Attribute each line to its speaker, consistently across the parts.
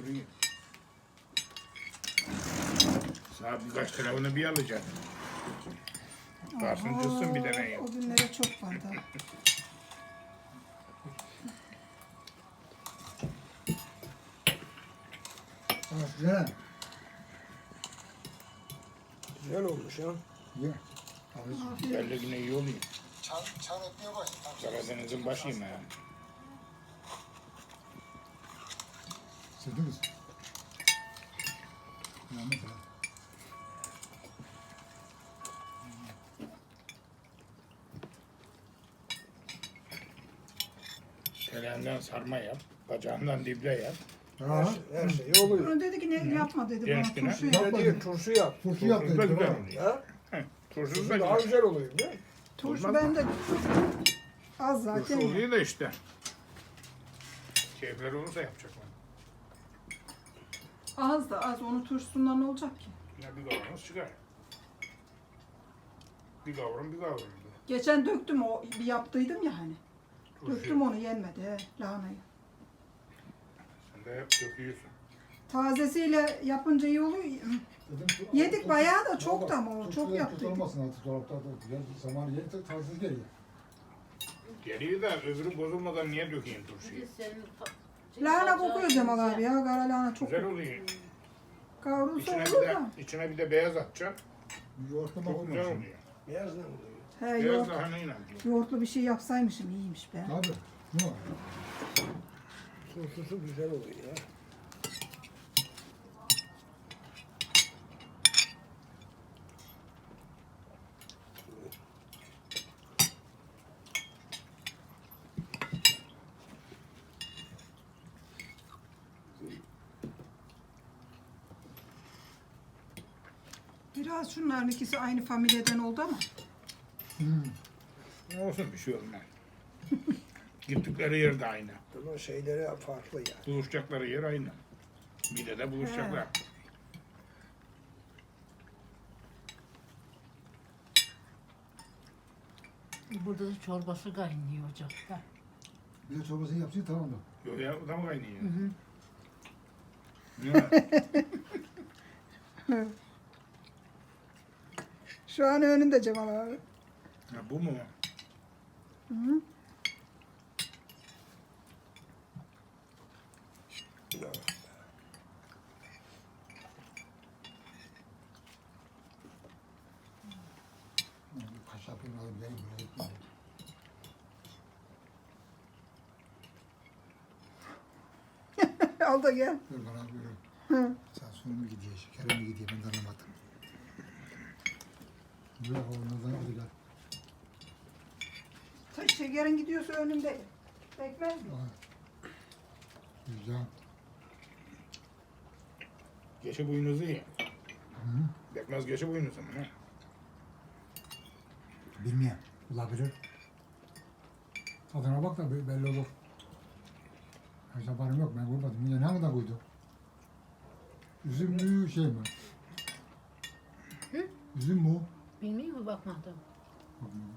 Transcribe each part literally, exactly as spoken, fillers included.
Speaker 1: duruyor. Sana birkaç tarafını bir alacağım. Varsın kızsın bir tane.
Speaker 2: O günlere çok var daha.
Speaker 3: Ha, güzel.
Speaker 4: Güzel olmuş ya.
Speaker 3: Ye. Abi,
Speaker 1: Belli güne iyi oluyor.
Speaker 3: çan, çan etmeye başladı.
Speaker 1: Karadeniz'in başıyım yani.
Speaker 3: Sevdiniz. Yalnız ha.
Speaker 1: Terenden sarma yap. Bacağından dible yap.
Speaker 4: Her,
Speaker 3: Ha,
Speaker 4: şey- her şey oluyor.
Speaker 2: Bunu dedi ki ne yapma dedi
Speaker 1: Genç
Speaker 2: bana
Speaker 1: güne.
Speaker 2: turşu
Speaker 4: Bir
Speaker 2: yap.
Speaker 4: de değil, turşu yap.
Speaker 3: turşu
Speaker 1: Turşu
Speaker 3: yaptı.
Speaker 1: da güzel
Speaker 3: Tamam.
Speaker 1: oluyor.
Speaker 4: Ha?
Speaker 1: Heh, Turşusu
Speaker 4: Turşu
Speaker 1: da
Speaker 4: daha
Speaker 1: güzel.
Speaker 4: güzel oluyor değil mi?
Speaker 2: Turşu
Speaker 1: Olmaz
Speaker 2: bende az
Speaker 1: Turşu
Speaker 2: zaten.
Speaker 1: oluyor da işte. Keyifleri olursa yapacaklar.
Speaker 2: Az da az. Onun turşusundan ne olacak ki?
Speaker 1: Yine bir kavanoz çıkar. Bir kavram bir kavram.
Speaker 2: Geçen döktüm o bir yaptıydım ya hani.
Speaker 1: Turşu.
Speaker 2: Döktüm onu yenmedi he, lahanayı.
Speaker 1: Sen de hep döküyorsun.
Speaker 2: Tazesiyle yapınca iyi oluyor.
Speaker 3: Dedim,
Speaker 2: Yedik
Speaker 3: turşu-
Speaker 2: bayağı da
Speaker 3: Baba,
Speaker 2: çok da ama o
Speaker 3: turşu
Speaker 2: çok
Speaker 3: da
Speaker 2: yaptıydık.
Speaker 3: tutulmasın artık dolapta da. Ya zaman yeri de taze geliyor.
Speaker 1: Geliyor da öbürü bozulmadan niye dökeyim turşuyu?
Speaker 2: Lahana kokuyor Cemal abi ya. Kara lahana çok
Speaker 1: Güzel
Speaker 2: kokuyor.
Speaker 1: oluyor.
Speaker 2: Kavrulsa
Speaker 1: İçine bir
Speaker 2: olur
Speaker 1: de,
Speaker 2: da.
Speaker 1: içine bir de beyaz atacaksın.
Speaker 3: Yoğurtlamak
Speaker 1: Çok güzel
Speaker 3: olmaz.
Speaker 1: oluyor.
Speaker 4: Beyaz ne oluyor?
Speaker 2: He,
Speaker 1: Beyaz
Speaker 2: yoğurt,
Speaker 1: lahanayla.
Speaker 2: yoğurtlu bir şey yapsaymışım iyiymiş be.
Speaker 3: Abi. Ne var?
Speaker 4: Turşusu güzel oluyor ya.
Speaker 2: Biraz şunların ikisi aynı familyadan oldu ama.
Speaker 3: Hmm.
Speaker 1: Ne olsun bir şey olmaz. Gittikleri yer de aynı.
Speaker 4: Ama şeyleri farklı ya.
Speaker 1: Buluşacakları yer aynı. Bir de de buluşacaklar.
Speaker 5: Burada da çorbası kaynıyor ocakta.
Speaker 3: Bir de çorbasını yapsın tamam da.
Speaker 1: Yok ya o da mı kaynıyor?
Speaker 5: Hı hı.
Speaker 1: Ne?
Speaker 2: Şu an önünde Cemal abi.
Speaker 1: Ha, bu mu?
Speaker 2: Hı.
Speaker 3: Kaş yapayım alayım gelin buraya gitmeyeyim.
Speaker 2: Al da gel.
Speaker 3: Dur bana buyurun.
Speaker 2: Hı.
Speaker 3: Sen sonu mu gidiyor, şekere mi gidiyor ben de anlamadım. Bırak onlardan hadi gel.
Speaker 2: Ta- Şekerin gidiyorsa önümde. Bekmez mi?
Speaker 3: Aa. Güzel.
Speaker 1: Geçi boynuzu ye.
Speaker 3: Hı.
Speaker 1: Bekmez geçi boynuzu mu ne?
Speaker 3: Bilmiyorum. Olabilir. Tadına bak da be- belli olur. Hiç haberim yok ben koymadım. Yine ne kadar koydu? Üzüm mü şey mi?
Speaker 5: Hı?
Speaker 3: Üzüm mü? o?
Speaker 5: Bilmiyor mu bakmadım.
Speaker 3: Bakmıyorum.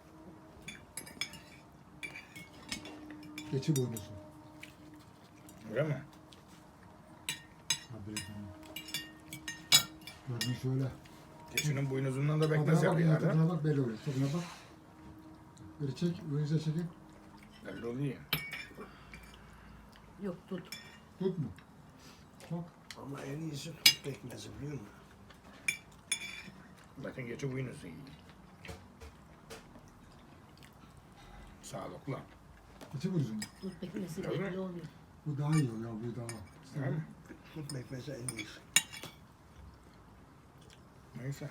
Speaker 3: Geçi boynuzu.
Speaker 1: Öyle mi?
Speaker 3: Haberi tamam. Gördün şöyle.
Speaker 1: Geçinin boynuzundan da bekmez
Speaker 3: Tadına bak, yine
Speaker 1: yapıyorlar. ha?
Speaker 3: tadına bak belli olur. Tadına bak. Böyle çek, önünüze çekin.
Speaker 1: Belli oluyor.
Speaker 5: Yok tut.
Speaker 3: Tut mu? Bak.
Speaker 4: Ama en iyisi tut pekmezi biliyor musun?
Speaker 1: Bakın geçi boynuzu yiyor. Sağlıklı.
Speaker 3: Geçi boynuzu mu?
Speaker 5: Tut pekmezi
Speaker 1: Tabii.
Speaker 5: belli oluyor.
Speaker 3: Bu daha iyi ya, bu daha.
Speaker 1: Tamam mı?
Speaker 4: Tut pekmezi en iyisi.
Speaker 1: Neyse.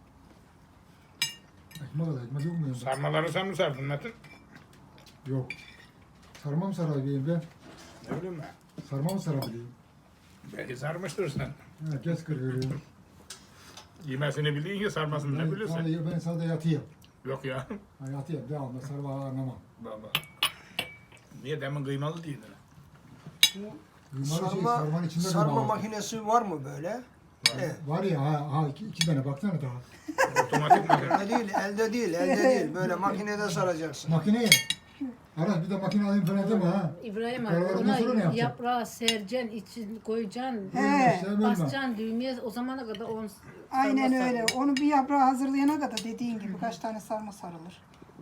Speaker 3: Ekmek al, ekmek yok mu yanında?
Speaker 1: Sarmaları sen mi sardın Metin?
Speaker 3: Yok. Sarmam sarabileyim ben.
Speaker 1: Ne bileyim ben.
Speaker 3: Sarmam sarabileyim.
Speaker 1: Belki sarmıştır sen.
Speaker 3: Ha, geç kırıyorum.
Speaker 1: Yemesini biliyorsun ki sarmasını ne
Speaker 3: Ben,
Speaker 1: bilirsin.
Speaker 3: sadece, ben sadece yatayım.
Speaker 1: Yok ya.
Speaker 3: Ha, yatayım, devamlı sarma anlamam.
Speaker 1: Baba. Niye demin kıymalı değildi?
Speaker 3: Kıymalı şey,
Speaker 4: Sarma,
Speaker 3: sarmanın içinde
Speaker 4: sarma
Speaker 3: kıyma var.
Speaker 4: makinesi var mı böyle? Evet.
Speaker 3: Var ya, ha, ha iki, iki tane baksana daha.
Speaker 1: Otomatik makine.
Speaker 4: Elde değil, elde değil, elde değil. Böyle makinede saracaksın.
Speaker 3: Makineye. Aras bir de makine alayım falan deme ha.
Speaker 5: İbrahim abi
Speaker 3: Karalardan
Speaker 5: ona
Speaker 3: sonra ne yapacaksın?
Speaker 5: yaprağı sereceksin, için koyacaksın,
Speaker 2: He.
Speaker 3: Sevmem ben.
Speaker 5: basacaksın düğmeye o zamana kadar on
Speaker 2: Aynen
Speaker 5: sarma
Speaker 2: öyle.
Speaker 5: sarılır.
Speaker 2: Onu bir yaprağı hazırlayana kadar dediğin gibi kaç tane sarma sarılır.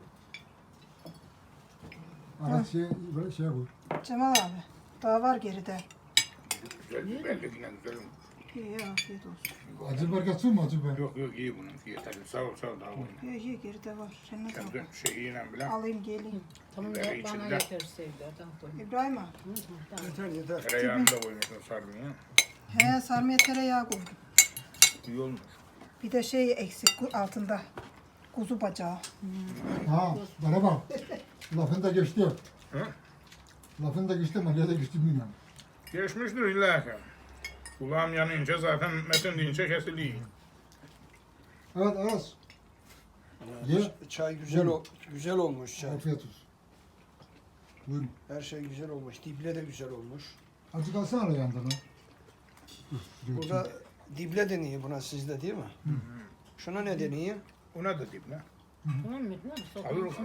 Speaker 3: Aras şey, böyle şey koy.
Speaker 2: Cemal abi daha var geride.
Speaker 1: Güzel biberli yine güzel.
Speaker 2: İyi afiyet olsun.
Speaker 3: Acı biber kaçsın mı acı biber?
Speaker 1: Yok yok iyi bunun. Yeter. Sağ ol sağ ol daha koyma.
Speaker 2: İyi iyi geride var. Sen nasıl
Speaker 1: Kendi şeyiyle bile.
Speaker 2: alayım geleyim.
Speaker 5: Tamam
Speaker 1: Biberi
Speaker 5: ya bana
Speaker 1: içinde.
Speaker 5: yeter Sevda'dan koy.
Speaker 2: İbrahim abi.
Speaker 5: Hı hı, tamam.
Speaker 4: Yeter yeter.
Speaker 1: Tereyağını da koymuşsun sarmaya.
Speaker 2: He sarmaya tereyağı koydum.
Speaker 1: İyi olmuş.
Speaker 2: Bir de şey eksik ku- altında. Kuzu bacağı.
Speaker 3: Ha bana bak. Lafın da geçti.
Speaker 1: Hı?
Speaker 3: Lafın da geçti ama nerede geçti bilmiyorum.
Speaker 1: Geçmiştir illa ki. Kulağım yanınca zaten metin deyince kesiliyor.
Speaker 3: Evet Aras. Ye.
Speaker 4: Çay güzel ol, güzel olmuş çay.
Speaker 3: Afiyet olsun. Buyurun.
Speaker 4: Her şey güzel olmuş. Dible de güzel olmuş.
Speaker 3: Acı kalsana ara yandan ha.
Speaker 4: Burada dible deniyor buna sizde değil mi? Şuna ne deniyor?
Speaker 1: Ona da dip lan.
Speaker 5: Tamam mı? Ne
Speaker 1: Alır mı?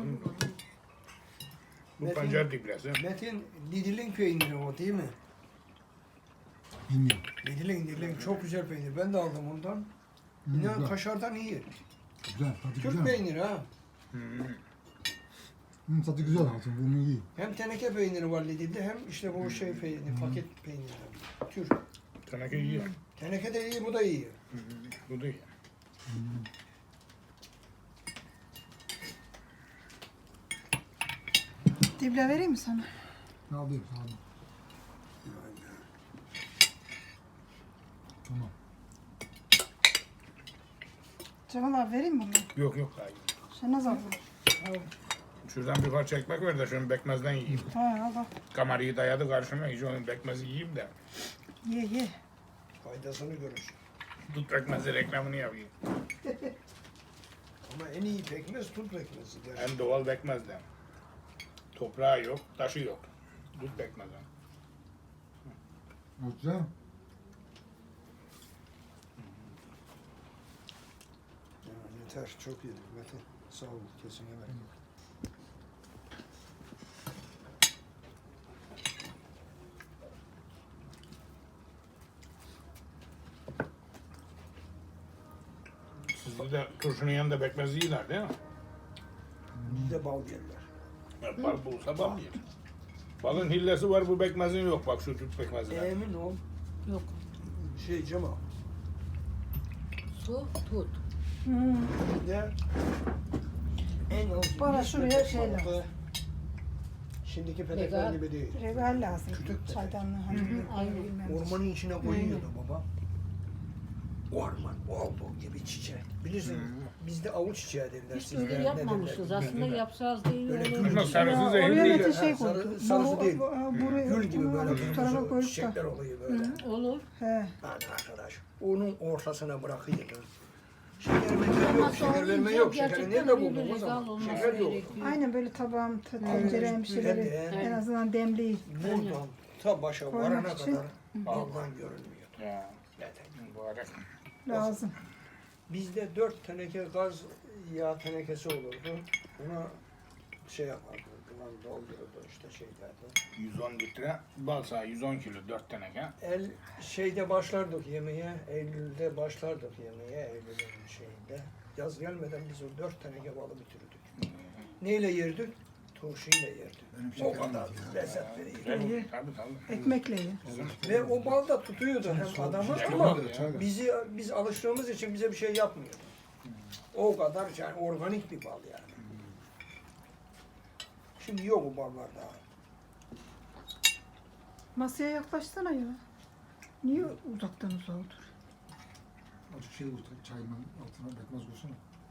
Speaker 1: Bu
Speaker 4: Metin-
Speaker 1: pancar diblesi.
Speaker 4: Metin Lidl'in peyniri o değil mi?
Speaker 3: Bilmiyorum.
Speaker 4: Lidl'in Lidl'in çok güzel peynir. Ben de aldım ondan.
Speaker 3: Hı,
Speaker 4: İnan
Speaker 3: güzel.
Speaker 4: kaşardan iyi.
Speaker 3: Güzel. Tadı
Speaker 4: Türk
Speaker 3: güzel.
Speaker 4: peyniri ha.
Speaker 1: Hmm.
Speaker 3: Hı, tadı güzel altın. Bunu iyi.
Speaker 4: Hem teneke peyniri var Lidl'de hem işte bu şey peyniri, paket peyniri. Türk.
Speaker 1: Teneke iyi.
Speaker 4: Teneke de iyi, bu da iyi.
Speaker 1: Hmm. Bu da iyi.
Speaker 2: Dible vereyim mi sana?
Speaker 3: Ne alayım sağ olun. Tamam.
Speaker 2: Cemal abi vereyim mi bunu?
Speaker 1: Yok yok daha iyi.
Speaker 2: Sen nasıl aldın?
Speaker 1: Şuradan bir parça ekmek ver de şunu bekmezden yiyeyim.
Speaker 2: Ha al al.
Speaker 1: Kamarayı dayadı karşıma. Hiç onun bekmezi yiyeyim de.
Speaker 2: Ye ye.
Speaker 4: Faydasını görür.
Speaker 1: Tut bekmezi reklamını yapayım.
Speaker 4: Ama en iyi pekmez tut pekmezi. gerçekten.
Speaker 1: Hem doğal bekmezden. Toprağı yok, taşı yok. Tut bekmezden.
Speaker 3: O güzel.
Speaker 4: Ya, yeter, çok yedik Metin. Sağ ol, kesine bereket.
Speaker 1: Sizde de turşunun yanında bekmez yiyorlar değil mi?
Speaker 4: Bizde bal yerler.
Speaker 1: Ya bal bulsa bal yer. Balın hillesi var, bu bekmezin yok. Bak şu tut bekmezine.
Speaker 4: Emin ol.
Speaker 5: Yok.
Speaker 4: Şey Cemal.
Speaker 5: Su tut.
Speaker 2: Hmm.
Speaker 4: Bir de en az
Speaker 2: Bana
Speaker 4: yüz
Speaker 2: şuraya
Speaker 4: petek
Speaker 2: şey
Speaker 4: balığı.
Speaker 2: lazım.
Speaker 4: Şimdiki petekler
Speaker 5: Regal.
Speaker 4: gibi değil.
Speaker 2: Regal lazım.
Speaker 4: Kütük de.
Speaker 2: Çaydanlığı hani
Speaker 5: aynen.
Speaker 2: bilmem.
Speaker 4: Ormanın içine koyuyordu baba. Orman olduğu gibi çiçek. Bilirsin bizde avuç çiçeği derler.
Speaker 5: Hiç
Speaker 4: sizde
Speaker 5: öyle
Speaker 4: ne
Speaker 5: yapmamışız.
Speaker 4: derler?
Speaker 5: Aslında yapacağız değil
Speaker 4: Böyle
Speaker 5: öyle.
Speaker 4: gül
Speaker 1: Ama
Speaker 4: gibi.
Speaker 1: sarısı
Speaker 2: Ya,
Speaker 1: zehirli
Speaker 2: oraya
Speaker 1: değil.
Speaker 2: da şey
Speaker 4: Ha, sarı-
Speaker 2: koydu.
Speaker 4: sarısı değil.
Speaker 2: Buraya,
Speaker 4: Gül gibi böyle
Speaker 2: şu tarafa
Speaker 4: kırmızı
Speaker 2: koyduk
Speaker 4: çiçekler
Speaker 2: da.
Speaker 4: oluyor böyle.
Speaker 5: Hı, olur.
Speaker 2: He.
Speaker 4: Hadi arkadaş. Onun ortasına bırakıyordun. Şeker verme yok.
Speaker 5: Ama
Speaker 4: Şeker verme
Speaker 5: olunca
Speaker 4: yok. Şekeri
Speaker 5: gerçekten
Speaker 4: nerede
Speaker 5: öyle
Speaker 4: buldun o
Speaker 5: regal
Speaker 4: zaman?
Speaker 5: olması
Speaker 4: Şeker yok.
Speaker 5: gerekiyor.
Speaker 2: Aynen böyle tabağım, t-
Speaker 4: Aynen.
Speaker 2: tencerem bir şeyleri
Speaker 4: Evet.
Speaker 2: en azından demleyip.
Speaker 4: Buradan ta başa
Speaker 2: Koymak
Speaker 4: varana
Speaker 2: için.
Speaker 4: kadar baldan görünmüyor.
Speaker 1: Ya,
Speaker 4: Neden?
Speaker 1: mübarek.
Speaker 2: lazım.
Speaker 4: Bizde dört teneke gaz yağ tenekesi olurdu. Ona şey yapardı, duman doldururdu işte şeylerde.
Speaker 1: yüz on litre bal sağı yüz on kilo dört teneke.
Speaker 4: El şeyde başlardık yemeğe, Eylül'de başlardık yemeğe, Eylül'ün şeyinde. Yaz gelmeden biz o dört teneke balı bitirirdik. Neyle yerdik? Turşuyla yerdik. O kadar lezzet veriyor.
Speaker 2: İyi.
Speaker 1: Tabii tabii.
Speaker 2: Ekmekle ye.
Speaker 4: Ve o bal da tutuyordu hem adamı
Speaker 1: şey
Speaker 4: ama
Speaker 1: olmadı ya.
Speaker 4: bizi biz alıştığımız için bize bir şey yapmıyor. O kadar yani organik bir bal yani. Şimdi yok o ballar daha.
Speaker 2: Masaya yaklaşsana ya. Niye uzaktan uzağa otur?
Speaker 3: Azıcık şey koy. Çayın altına bekmez koysana.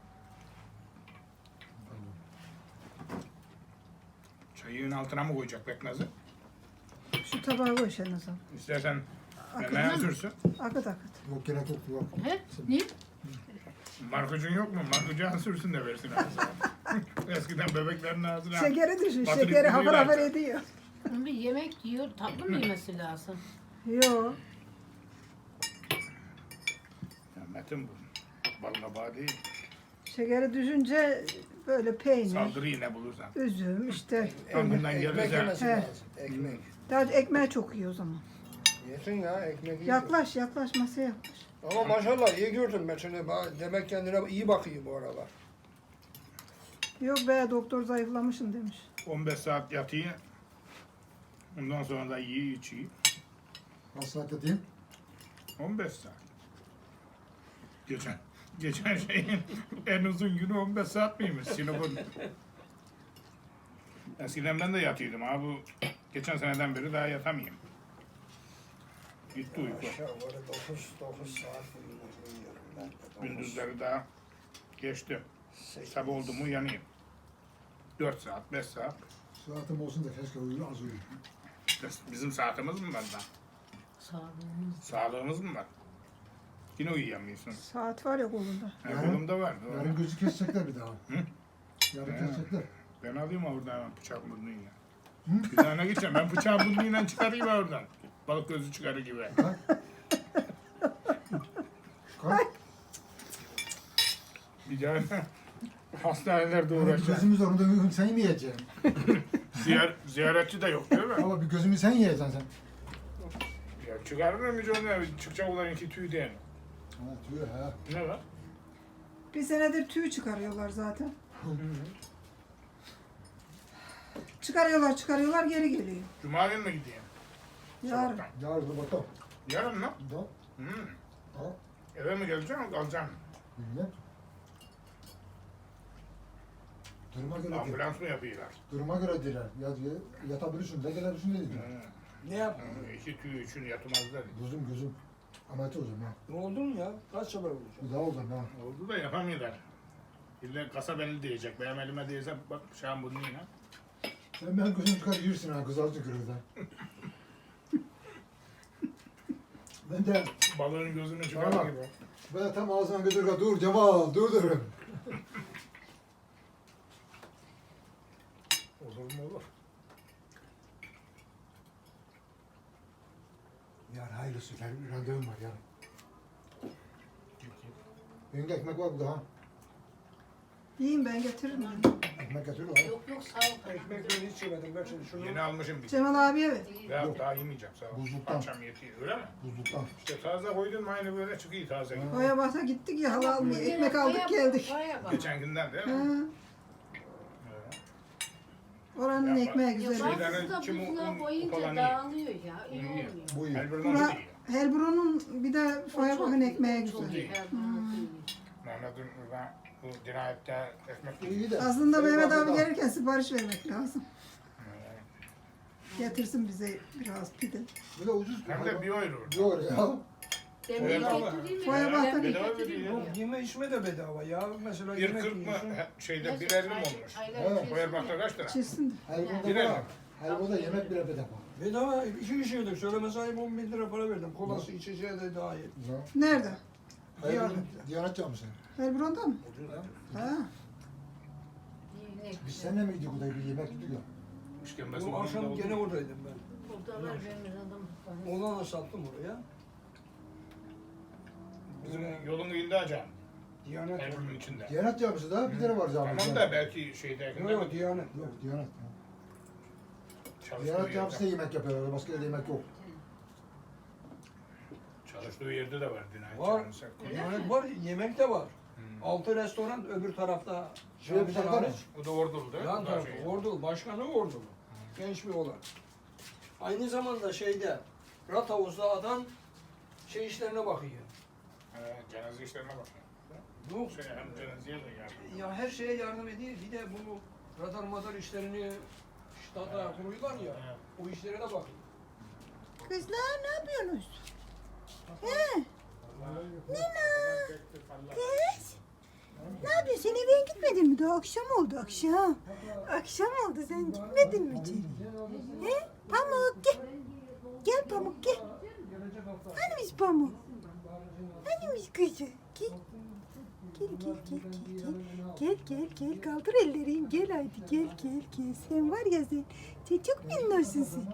Speaker 1: Çayın altına mı koyacak bekmezi?
Speaker 2: Şu tabağa koy Şenaz abi.
Speaker 1: İstersen
Speaker 2: Akıt.
Speaker 1: memeye sürsün.
Speaker 2: Akıt akıt.
Speaker 3: Yok gerek yok. Yok.
Speaker 5: He? Niye?
Speaker 1: Markucun yok mu? Markucun sürsün de versin ağzına. Eskiden bebeklerin ağzına.
Speaker 2: Şekeri düşün.
Speaker 1: Batırıp
Speaker 2: Şekeri hafır
Speaker 1: gidiyorlar.
Speaker 2: hafır ediyor.
Speaker 5: Bir yemek yiyor, tatlı mı yemesi lazım?
Speaker 2: Yo.
Speaker 1: Ya Metin bu. Balına bağ değil.
Speaker 2: Şekeri düşünce Böyle peynir,
Speaker 1: Saldırı yine bulursan.
Speaker 2: üzüm işte.
Speaker 1: Ömründen
Speaker 4: Ekmek
Speaker 1: gelirse.
Speaker 4: yemesi
Speaker 2: He.
Speaker 4: lazım. Ekmek.
Speaker 2: Daha ekmeği çok iyi o zaman.
Speaker 4: Yesin ya ekmek iyi.
Speaker 2: Yaklaş yaklaş masaya yaklaş.
Speaker 4: Ama maşallah iyi gördüm ben seni. Ba- Demek kendine iyi bakıyor bu aralar.
Speaker 2: Yok be doktor zayıflamışsın demiş.
Speaker 1: on beş saat yatıyor. Ondan sonra da yiyor içiyor.
Speaker 3: Kaç saat yatayım?
Speaker 1: on beş saat. Geçen geçen şeyin en uzun günü on beş saat miymiş Sinop'un? Eskiden ben de yatıyordum abi. Bu geçen seneden beri daha yatamıyorum. Gitti uyku.
Speaker 4: Aşağı yukarı dokuz dokuz saat uyuyorum ben. de. Dokuz,
Speaker 1: Gündüzleri daha geçti.
Speaker 4: sekiz.
Speaker 1: Sabah oldu mu yanayım. dört saat, beş saat.
Speaker 3: Saatim olsun da keşke uyur az uyur.
Speaker 1: İşte bizim saatimiz mi var da?
Speaker 5: Sağlığımız.
Speaker 1: Sağlığımız mı var? Yine uyuyamıyorsun.
Speaker 2: Saat var ya kolunda.
Speaker 1: Ha,
Speaker 3: Yarın-
Speaker 1: kolumda var. doğru.
Speaker 3: Yarın gözü kesecekler bir daha.
Speaker 1: Hı?
Speaker 3: Yarın
Speaker 1: He.
Speaker 3: kesecekler.
Speaker 1: Ben alayım oradan hemen bıçak burnuyla.
Speaker 3: Hı?
Speaker 1: Bir tane gideceğim. Ben bıçağı burnuyla çıkarayım oradan. Balık gözü çıkarır gibi.
Speaker 3: Kalk. Kalk.
Speaker 1: Bir tane hastanelerde
Speaker 3: Yani bir
Speaker 1: uğraşacağım.
Speaker 3: gözümüz orada sen yemeyeceksin.
Speaker 1: Ziyar, ziyaretçi de yok değil mi?
Speaker 3: Ama bir gözümü sen yiyeceksin sen.
Speaker 1: Ya çıkarır mı onu ya? Çıkacak olan iki tüy değil.
Speaker 3: Ha tüy ha.
Speaker 1: Ne var?
Speaker 2: Bir senedir tüy çıkarıyorlar zaten. Çıkarıyorlar çıkarıyorlar geri geliyor.
Speaker 1: Cuma günü mü gideyim?
Speaker 2: Yarın.
Speaker 1: Sabahtan.
Speaker 3: Yarın da bakalım.
Speaker 1: Yarın mı?
Speaker 3: Da.
Speaker 1: Hmm.
Speaker 3: Da.
Speaker 1: Eve mi geleceğim, kalacağım?
Speaker 3: Bilmem. Duruma göre değil.
Speaker 1: Ambulans mı yapıyorlar?
Speaker 3: Duruma göre diler. Ya, yatabilirsin de gelebilirsin de dediler.
Speaker 1: Hmm.
Speaker 4: Ne yaptın?
Speaker 1: Hmm, İki tüy için yatmazlar.
Speaker 3: Gözüm gözüm. Ameliyat olacağım ha.
Speaker 4: Ne oldu mu ya? Kaç sefer olacak?
Speaker 3: Bir daha olacağım ha.
Speaker 1: Oldu da yapamıyorlar. İlle kasa beni diyecek. Benim elime değse bak bıçağın burnuyla.
Speaker 3: Sen ben gözüm çıkar yürürsün ha. Kız alacak kırıldan. Ben de
Speaker 1: Balığın gözünü çıkar
Speaker 3: Tamam.
Speaker 1: gibi.
Speaker 3: ben tam ağzına götür dur Cemal dur derim.
Speaker 1: Olur mu olur.
Speaker 3: Yarın hayırlısı. Benim randevum var yarın. Benim de ekmek var burada ha.
Speaker 2: Yiyin ben getiririm.
Speaker 3: Ekmek getiriyor ha.
Speaker 5: Yok yok sağ ol.
Speaker 4: Ekmek ben hiç yemedim. Ben şimdi şunu...
Speaker 1: Yeni almışım bir.
Speaker 2: Cemal abiye ver.
Speaker 1: Ya
Speaker 3: Yok.
Speaker 1: daha yemeyeceğim sağ ol.
Speaker 3: Buzluktan.
Speaker 1: Akşam yetiyor öyle mi?
Speaker 3: Buzluktan.
Speaker 1: İşte taze koydun mu aynı böyle çıkıyor taze.
Speaker 3: Ha.
Speaker 2: Koya basa gittik ya hava almaya. Ekmek aldık geldik.
Speaker 5: Oraya bak.
Speaker 1: Geçen günden değil
Speaker 2: Ha,
Speaker 1: mi?
Speaker 2: oranın
Speaker 1: Yapma.
Speaker 2: ekmeği
Speaker 5: Ya
Speaker 2: güzel.
Speaker 1: Şeyden
Speaker 5: bazısı da
Speaker 1: kim o-
Speaker 5: buzluğa
Speaker 1: un
Speaker 5: koyunca
Speaker 1: falan
Speaker 5: dağılıyor ya. İyi
Speaker 1: İyi.
Speaker 5: olmuyor.
Speaker 3: Bu iyi.
Speaker 1: Elbirden
Speaker 2: Bura,
Speaker 1: iyi.
Speaker 2: Helbron'un bir de foya
Speaker 5: O çok
Speaker 2: bakın
Speaker 5: iyi,
Speaker 2: ekmeği
Speaker 5: o çok
Speaker 2: güzel.
Speaker 5: iyi. Helbron'un iyi.
Speaker 1: Mehmet'in burada bu dirayette ekmek
Speaker 3: İyi de.
Speaker 2: Aslında
Speaker 3: Benim
Speaker 2: Mehmet abi
Speaker 3: aklımda-
Speaker 2: gelirken sipariş vermek lazım. Getirsin bize biraz pide.
Speaker 3: Bir de ucuz.
Speaker 1: Hem de bir euro.
Speaker 3: Yok ya.
Speaker 5: Demir
Speaker 1: Bedava.
Speaker 5: getireyim mi?
Speaker 2: Foya
Speaker 5: Demir
Speaker 2: bakın.
Speaker 1: Bedava
Speaker 5: getireyim mi?
Speaker 1: veriyor.
Speaker 4: Yok yeme içme de bedava ya. Mesela
Speaker 1: Bir
Speaker 4: yemek
Speaker 1: kırk mı?
Speaker 4: yiyorsun.
Speaker 1: He, Şeyde
Speaker 5: Nasıl?
Speaker 1: bir elli mi
Speaker 5: Aylar-
Speaker 1: olmuş?
Speaker 5: aylar
Speaker 3: Evet.
Speaker 5: içerisinde.
Speaker 1: Koyarbakta kaç lira?
Speaker 2: Çizsin.
Speaker 3: Helvada
Speaker 1: Birer
Speaker 3: var.
Speaker 1: mi?
Speaker 3: Helvada yemek bile bedava.
Speaker 4: Bedava iki kişi yedik. Söyleme sahip on bin lira para verdim. Kolası içeceği de dahil.
Speaker 3: Ya.
Speaker 2: Nerede?
Speaker 3: Diyanet,
Speaker 4: Diyanet'te.
Speaker 3: Diyanet camisi.
Speaker 2: Helbron'da mı?
Speaker 4: Ucuz ha.
Speaker 2: Ha.
Speaker 5: İyi, ne
Speaker 3: Biz
Speaker 5: güzel.
Speaker 3: seninle mi gittik orada bir yemek yedik ya.
Speaker 1: İşkembesi
Speaker 4: Bu akşam gene oradaydım ben.
Speaker 5: Burada var benim adam.
Speaker 4: Ona da sattım oraya.
Speaker 1: Bizim yolun iyiydi hocam.
Speaker 4: Diyanet.
Speaker 1: Elbir'in içinde.
Speaker 3: Diyanet camisi daha bir tane var camisi.
Speaker 1: Tamam da belki şeyde
Speaker 4: Yok yok Diyanet.
Speaker 3: Yok Diyanet.
Speaker 1: çalıştığı
Speaker 3: Diyanet camisi de
Speaker 1: yerde,
Speaker 3: yemek yapıyorlar. Başka yerde yemek yok.
Speaker 1: çalıştığı yerde de var dinayet
Speaker 4: Var.
Speaker 1: camisi.
Speaker 4: Diyanet var. Yemek de var.
Speaker 1: Hmm.
Speaker 4: Altı restoran öbür tarafta.
Speaker 3: Şuraya bir
Speaker 4: camiden
Speaker 3: tarafa mı?
Speaker 4: hariç.
Speaker 1: O da ordulu değil mi?
Speaker 4: Yan
Speaker 1: O da
Speaker 4: tarafı.
Speaker 1: şey.
Speaker 4: Ordulu. Başkanı Ordulu. Genç bir oğlan. Aynı zamanda şeyde Rathavuz'da adam şey işlerine bakıyor.
Speaker 1: He, cenaze işlerine bak.
Speaker 4: Yok.
Speaker 1: Şey, hem cenazeye de yardım.
Speaker 4: Ya her şeye yardım ediyor. Bir de bu radar madar işlerini ştata kuruyorlar ya.
Speaker 1: Evet.
Speaker 4: O işlere de bakıyor.
Speaker 2: Kızlar ne yapıyorsunuz? He? Kız? Ne yapıyorsun? Sen eve gitmedin mi? Daha akşam oldu akşam. Akşam oldu sen gitmedin mi içeri? He? Pamuk gel. Gel Pamuk gel. Hanimiş Pamuk? Hanimiş kızı? Gel. Gel gel gel gel gel. Gel gel gel kaldır ellerini gel haydi gel gel gel. Sen var ya sen. Sen çok minnoşsun sen.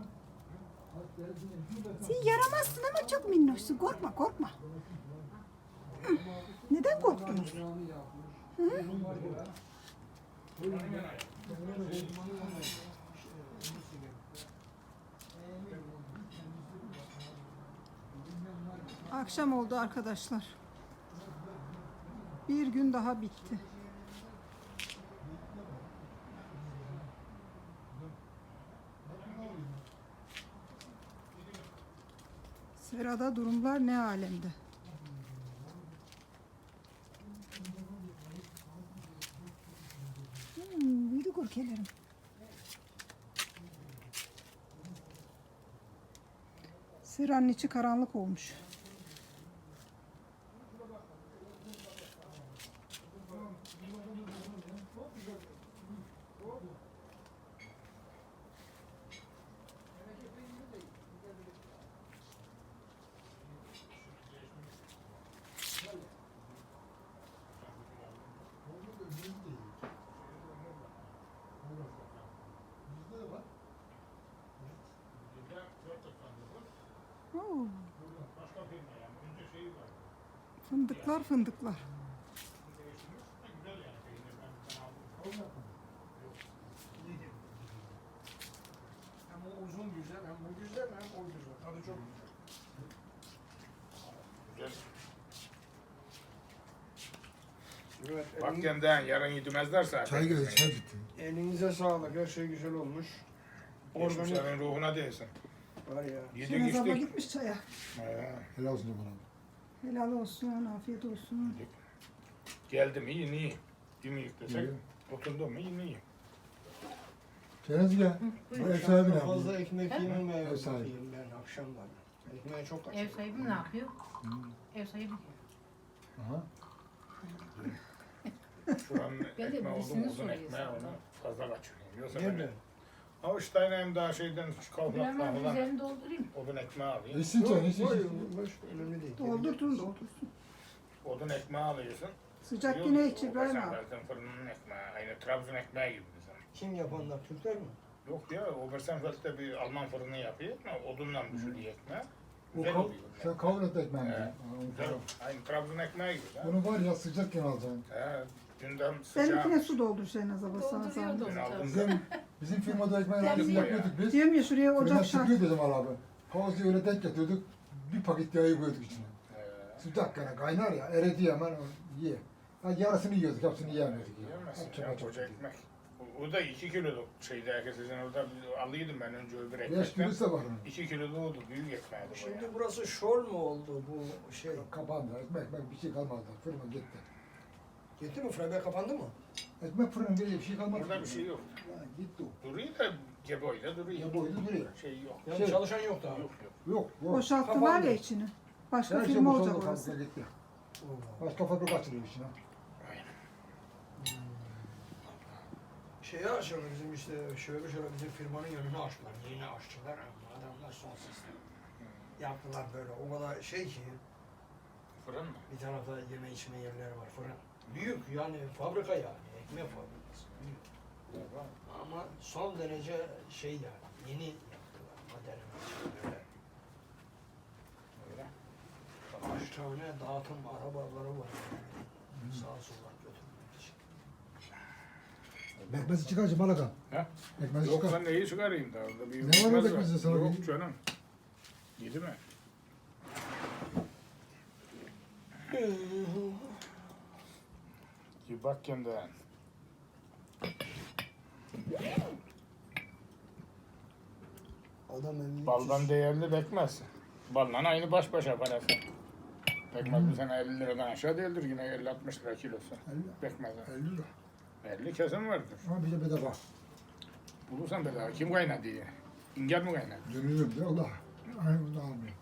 Speaker 2: Sen yaramazsın ama çok minnoşsun. Korkma korkma. Hı. Neden korktunuz? Hı? Akşam oldu arkadaşlar. Bir gün daha bitti. Serada durumlar ne alemde? Hmm, büyüdü korkelerim. Seranın içi karanlık olmuş. Oo, fındıklar fındıklar.
Speaker 4: Hem o uzun güzel, hem bu güzel, hem o güzel. Tadı çok güzel.
Speaker 1: Güzel.
Speaker 4: Evet,
Speaker 1: Bak
Speaker 4: elin-
Speaker 1: kendin yarın yedimezler zaten.
Speaker 3: Çay geldi, çay bitti.
Speaker 4: elinize sağlık, her şey güzel olmuş. Organik
Speaker 1: Geçmişlerin ruhuna değsin.
Speaker 4: var ya.
Speaker 1: Yedik
Speaker 2: Şenaz abla
Speaker 1: içtik.
Speaker 2: gitmiş çaya.
Speaker 1: He,
Speaker 3: Helal olsun bana.
Speaker 2: Helal olsun, afiyet olsun.
Speaker 1: yedik. Geldim iyi iyi. Yemeyik desek.
Speaker 3: İyi.
Speaker 1: Oturdum iyi iyi.
Speaker 3: Şenaz gel. Bu ev sahibi ne
Speaker 4: Fazla
Speaker 3: yapıyor?
Speaker 4: ekmek yemem
Speaker 3: Ev
Speaker 4: ev
Speaker 3: sahibi.
Speaker 4: yiyeyim ben akşamları. Ekmeğe çok
Speaker 5: Ev
Speaker 4: kaçırıyorum.
Speaker 5: sahibi ne yapıyor? Ev sahibi.
Speaker 3: Aha.
Speaker 1: Şuranın
Speaker 5: Ben de
Speaker 1: ekmeği oldu
Speaker 5: birisini
Speaker 1: mu uzun
Speaker 5: soruyor
Speaker 1: ekmeği
Speaker 5: zaten.
Speaker 1: onu fazla kaçırıyorum. Yoksa
Speaker 4: Nerede?
Speaker 1: ben avuçtayla hem daha şeyden kavlaktan
Speaker 5: Hemen
Speaker 1: falan
Speaker 5: üzerini doldurayım.
Speaker 1: odun ekmeği alayım.
Speaker 3: İçsin çay, içsin.
Speaker 4: Yok,
Speaker 3: içsin.
Speaker 4: boş, önemli değil.
Speaker 2: Doldurtun, doldursun.
Speaker 1: Odun ekmeği alıyorsun.
Speaker 2: Sıcak
Speaker 1: Yok,
Speaker 2: yine
Speaker 1: o
Speaker 2: iç İbrahim
Speaker 1: Bersen
Speaker 2: abi.
Speaker 1: Felt'in fırının ekmeği. Aynı Trabzon ekmeği gibi bizim.
Speaker 4: Kim yapanlar? Türkler mi?
Speaker 1: Yok ya, o Bersenfeld'de bir Alman fırını yapıyor ama odunla pişiriyor ekmeği.
Speaker 3: O
Speaker 1: Güzel
Speaker 3: kav
Speaker 1: oluyor.
Speaker 3: sen kavun et ekmeğini.
Speaker 1: He.
Speaker 3: Ha, onu
Speaker 1: Güzel
Speaker 3: kavun.
Speaker 1: oluyor. Aynı Trabzon ekmeği gibi. ha.
Speaker 3: Bunu var ya sıcakken alacaksın.
Speaker 1: He, dünden sıcak.
Speaker 2: Benimkine su doldur Şenaz abla sana
Speaker 5: Dolduruyor
Speaker 2: zahmet.
Speaker 5: dolduruyor.
Speaker 1: aldım.
Speaker 3: Bizim, bizim firmada ekmeği
Speaker 5: Sen
Speaker 3: aldık
Speaker 5: bir-
Speaker 3: yapıyorduk biz.
Speaker 2: Diyorum ya şuraya
Speaker 3: Fırına
Speaker 2: ocak şart.
Speaker 3: çıkıyor dedim al abi. Havuzu öyle denk getirdik. Bir paket yağı koyduk içine.
Speaker 1: He.
Speaker 3: Sıcakken kaynar ya eridi hemen o ye. Ha, yarısını yiyorduk hepsini yiyemiyorduk. ya.
Speaker 1: Yiyemezsin
Speaker 3: Hep
Speaker 1: ya,
Speaker 3: çapa
Speaker 1: koca
Speaker 3: çapa.
Speaker 1: ekmek. O, o da iki kiloluk şeydi herkesin orada biz alıyordum ben önce öbür
Speaker 3: Beş
Speaker 1: ekmekten.
Speaker 3: kilosu da var onun.
Speaker 1: İki kiloluk oldu, büyük ekmeğiydi bu ya.
Speaker 4: Şimdi burası şol mu oldu bu şey?
Speaker 3: Kapandı. Ekmek, ekmek bir şey kalmadı. Fırına gitti.
Speaker 4: Gitti mi? Frabe kapandı mı?
Speaker 3: Ekmek fırının bir bir şey kalmadı.
Speaker 1: Burada bir şey yok.
Speaker 3: Ha, gitti o.
Speaker 1: Duruyor da geboyla duruyor.
Speaker 3: Ya boylu duruyor.
Speaker 1: Şey yok.
Speaker 4: Yani
Speaker 3: Şey-
Speaker 4: çalışan yok daha.
Speaker 1: Yok yok.
Speaker 3: Yok yok.
Speaker 2: Boşalttılar
Speaker 4: Kapandı.
Speaker 2: ya içini. Başka
Speaker 3: Her şey
Speaker 2: firma
Speaker 3: boşaldı,
Speaker 2: olacak orası.
Speaker 3: fabrika gitti.
Speaker 4: Allah.
Speaker 3: Başka fabrika açılıyor içine.
Speaker 1: Aynen.
Speaker 4: Şeyi açıyorlar bizim işte şöyle şöyle bizim firmanın yanına açtılar. Yeni açtılar ama adamlar son sistem. Yaptılar böyle o kadar şey ki
Speaker 1: Fırın mı?
Speaker 4: bir tarafta yeme içme yerleri var fırın. Büyük yani fabrika yani ekmek fabrikası. Büyük. Ama son derece şey yani yeni yaptılar modern böyle.
Speaker 1: Öyle.
Speaker 4: Kaç tane dağıtım arabaları var yani. Sağa sola götürmek için.
Speaker 3: Bekmezi çıkarcı Malaka.
Speaker 1: He?
Speaker 3: Bekmezi
Speaker 1: Yok
Speaker 3: çıkar.
Speaker 1: ben neyi çıkarayım daha orada bir
Speaker 3: Ne var
Speaker 1: yumurtmaz
Speaker 3: orada kızın sana
Speaker 1: Yok
Speaker 3: bir-
Speaker 1: canım. Yedi mi? Bir bak kendine.
Speaker 4: Adam elli
Speaker 1: Baldan değerli bekmez. Balla aynı baş başa parası. Bekmez bu sene elli liradan aşağı değildir yine elli altmış lira kilosu. Bekmez.
Speaker 3: elli lira.
Speaker 1: elli kesin vardır.
Speaker 3: Ama bir de bedava.
Speaker 1: Bulursan bedava. Kim kaynadı diye. İngel mi kaynadı?
Speaker 3: Dönüyorum diyor Allah. Aynı bunu almıyor.